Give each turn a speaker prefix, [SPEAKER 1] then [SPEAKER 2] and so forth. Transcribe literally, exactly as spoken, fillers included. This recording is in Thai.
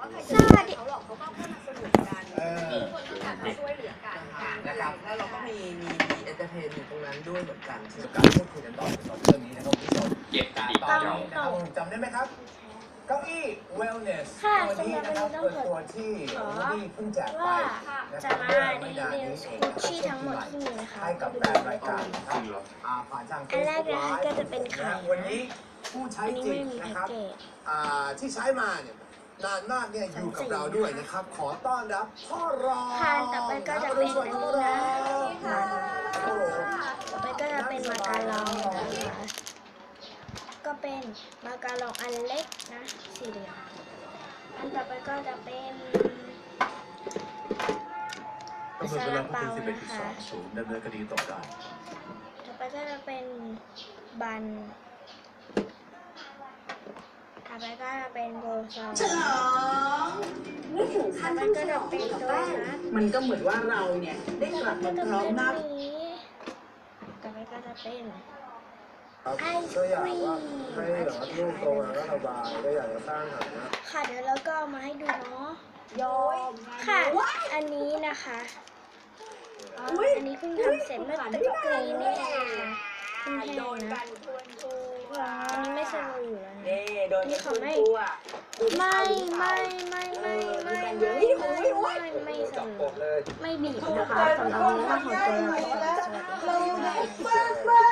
[SPEAKER 1] สวัสดีเขาหรอกเขาก็เพื่อมาสนุกกันทุกคนต้องการมาช่วยเหลือกัน
[SPEAKER 2] นะครับแล้วเราก็มีมีมีเอนเตอร์เทนอยู่ตรงนั้นด้วยเหมือนกันซึ่งการพูดคุยกันต่อในตอนเรื่องนี้นะครับคุณผู้ชมเก็บตาต่อนะครับผมจำได้ไหมครับเก้าอี้ wellness ตัวนี้นะครับเป็นตัวที่ที่เพิ่งแจกไป
[SPEAKER 1] จะมารีวิวสกูชี่ทั้งหมดที่มีนะคะ
[SPEAKER 2] ให้กับแฟนรายการนะครับผ่านทางเฟซบุ๊กไลฟ์ก็จะเป็นไข่วันนี้ผู้ใช้จริงนะครับที่ใช้มาเนี่ยนานมากเนี่ยอยู่กับเราด้วยนะครับขอต้อนรับพ่อรอง
[SPEAKER 1] ทานต่อไปก็จะเป็นอันนี้นะต่อไปก็จะเป็นมาการองนะคะก็เป็นมาการองอันเล็กนะสี่เหลี่ยมอันต่อไปก็จะเป็นซาลาเปานะคะ
[SPEAKER 3] ดำเนินคดีต่อได้
[SPEAKER 1] ต่อไปก็จะเป็นบันต่อไปก็จะเป็นโบซอง
[SPEAKER 4] ฉลองนี่ถึงขั้นต้องฉลองเลยเหรอแป้งมันก็เหมือนว่าเราเนี่ยได้กลับมาพร้อมหน้า
[SPEAKER 1] ต่อไปก็จะเป็น
[SPEAKER 2] ไอศครีมให้แบบว่าลูกโตมาก็สบายก็อยากจะสร้างฐานะ
[SPEAKER 1] ค่ะเดี๋ยวเราก็มาให้ดูเนาะโยค่ะอันนี้นะคะอันนี้เพิ่งทำเสร็จเมื่อตะกี้นี่เองค่ะเพิ่งแห้งนะอันนี้ไม่สบู่อยู่แล้วนะนี่เขาไม่ไม่ไม่ไม่ไม่ไม่ไม่ไม่ไม่สบู่ไม่บีบนะคะสำหรับวันนี้ก็ขอตัวลาไปก่อนสวัสดีค่ะ